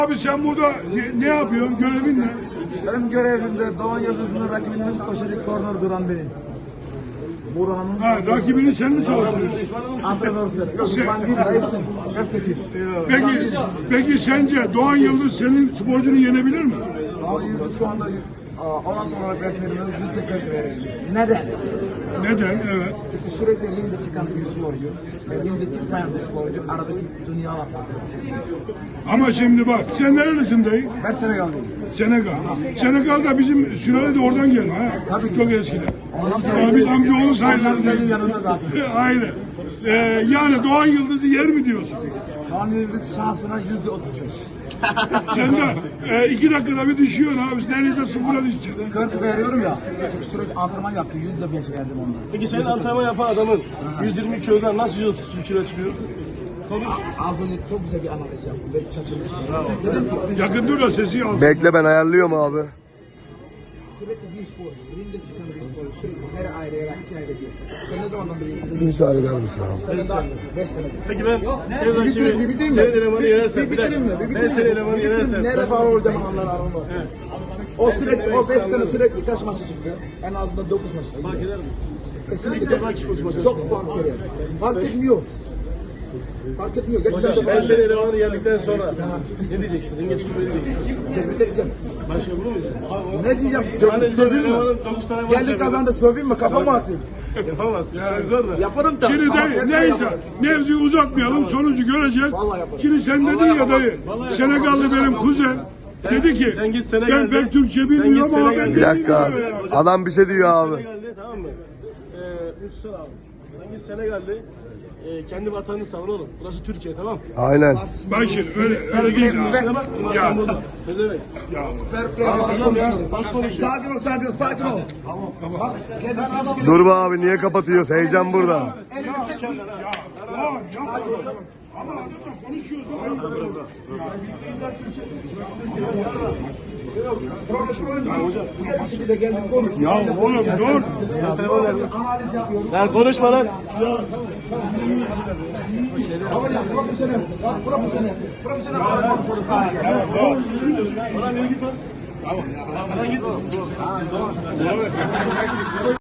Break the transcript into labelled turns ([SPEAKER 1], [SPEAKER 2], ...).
[SPEAKER 1] Abi sen burada ne yapıyorsun? Görevin ne?
[SPEAKER 2] Benim görevimde Doğan Yıldız'ın rakibinin koşarı korner duran benim. Burhan'ın...
[SPEAKER 1] Ha, rakibini sen mi çalıştırıyorsun?
[SPEAKER 2] Antrenörüz benim. Yok, ben değil, hepsi. Hepsi.
[SPEAKER 1] Peki sence Doğan Yıldız senin sporcunu yenebilir mi?
[SPEAKER 2] Doğan Yıldız şu anda 16 olarak resmediyoruz. 140 verelim. Neden?
[SPEAKER 1] Neden? Evet.
[SPEAKER 2] Çünkü sürekli ringde çıkan bir sporcu ve ringde çıkmayan bir sporcu aradaki dünya var.
[SPEAKER 1] Ama şimdi bak, sen nerelisin dayı?
[SPEAKER 2] Ben Senegal'dayım.
[SPEAKER 1] Senegal. Senegal'da bizim sülale de oradan gelme ha.
[SPEAKER 2] Tabii ki.
[SPEAKER 1] Çok eskiden. Yani biz amcaoğlu sayılırız.
[SPEAKER 2] Benim yanımda zaten.
[SPEAKER 1] Aynen. Yani Doğan Yıldız'ı yer mi diyorsun?
[SPEAKER 2] Doğan Yıldız şansına %35.
[SPEAKER 1] Sen de 2 dakikada bir düşüyorsun abi. Neredeyse sıfıra düşeceksin.
[SPEAKER 2] 40 veriyorum ya. Çünkü sürekli antrenman yaptı. %5 verdim ondan.
[SPEAKER 3] Peki senin antrenman yapan adamın 120 kilodan nasıl 132 kilo çıkıyor? Konuş.
[SPEAKER 2] Az önce çok güzel bir analiz yaptım ve kaçırmıştım. Dedim ki
[SPEAKER 1] Yakın dur da sesi al.
[SPEAKER 4] Bekle ben ayarlıyorum abi.
[SPEAKER 2] sürekli bir spor, ringde çıkan bir spor, sürekli her aileye rakip aile diyor. Sen ne zamandan beri?
[SPEAKER 4] Müsaade eder misin abi?
[SPEAKER 2] Sen de daha 5 senedir.
[SPEAKER 3] Peki ben senin
[SPEAKER 2] bitireyim
[SPEAKER 3] rakibi,
[SPEAKER 2] mi?
[SPEAKER 3] senin elemanı yenersem.
[SPEAKER 2] Bir bitireyim mi?
[SPEAKER 3] Ben senin elemanı yenersem.
[SPEAKER 2] Nereye bağlı olacağım anlar aramda. O sürekli, o 5 sene sürekli kaç maçı çıktı? En azından 9 maçı çıktı.
[SPEAKER 3] Fark eder mi?
[SPEAKER 2] Kesinlikle çok fark ediyor. Fark etmiyor. Fark etmiyor. Gerçekten de
[SPEAKER 3] Ben
[SPEAKER 2] fark
[SPEAKER 3] senin
[SPEAKER 2] ediyor.
[SPEAKER 3] elemanı yendikten sonra ne diyeceksin? Ringe çıkıp ne diyeceksin?
[SPEAKER 2] Tebrik edeceğim.
[SPEAKER 3] Başka bunu mu diyeceksin?
[SPEAKER 2] Ne diyeceğim?
[SPEAKER 3] Hani
[SPEAKER 2] Söveyim mi?
[SPEAKER 3] elemanın 9 tane maç
[SPEAKER 2] Geldi
[SPEAKER 3] yapıyor.
[SPEAKER 2] kazandı söveyim mi? Kafama atayım.
[SPEAKER 3] Yapamazsın. Yani zor da.
[SPEAKER 2] Yaparım da.
[SPEAKER 1] Şimdi
[SPEAKER 2] ama
[SPEAKER 1] dayı
[SPEAKER 2] ben
[SPEAKER 1] neyse
[SPEAKER 2] yaparım.
[SPEAKER 1] mevzuyu uzatmayalım, sonucu göreceğiz.
[SPEAKER 2] Vallahi yaparım.
[SPEAKER 1] Şimdi sen dedin ya dayı, Senegallı benim kuzen dedi ki
[SPEAKER 3] sen git
[SPEAKER 1] ben
[SPEAKER 3] Senegal'de-
[SPEAKER 1] pek Türkçe
[SPEAKER 3] sen
[SPEAKER 1] bilmiyorum
[SPEAKER 3] git
[SPEAKER 1] ama ben
[SPEAKER 3] Senegal'de-
[SPEAKER 4] Bir dakika.
[SPEAKER 1] bilmiyorum ya.
[SPEAKER 4] Adam bir şey diyor abi.
[SPEAKER 3] Senegal'de tamam mı? Lütfen abi. Sen git Senegal'de kendi vatanını savun oğlum. Burası Türkiye tamam.
[SPEAKER 4] Aynen.
[SPEAKER 1] Bak şimdi öyle değil.
[SPEAKER 3] Şuna bak.
[SPEAKER 1] Ya.
[SPEAKER 3] Ne demek?
[SPEAKER 2] Fair play olarak konuşuyor. Sakin ol, sakin ol, sakin ol. Bak, geldi adam.
[SPEAKER 4] Dur be abi niye kapatıyoruz? Heyecan burada.
[SPEAKER 1] Ya yapma. Ama adamla konuşuyoruz.
[SPEAKER 2] Güzel bir şekilde geldik konuş.
[SPEAKER 1] Ya oğlum dur.
[SPEAKER 2] Analiz yapıyorum.
[SPEAKER 3] Lan konuşma lan.
[SPEAKER 2] Ama ya profesyonelsin. Ya profesyonelsin. Profesyonel olarak konuşuyoruz. Sakin.
[SPEAKER 3] Bana bir git lan. Bana git.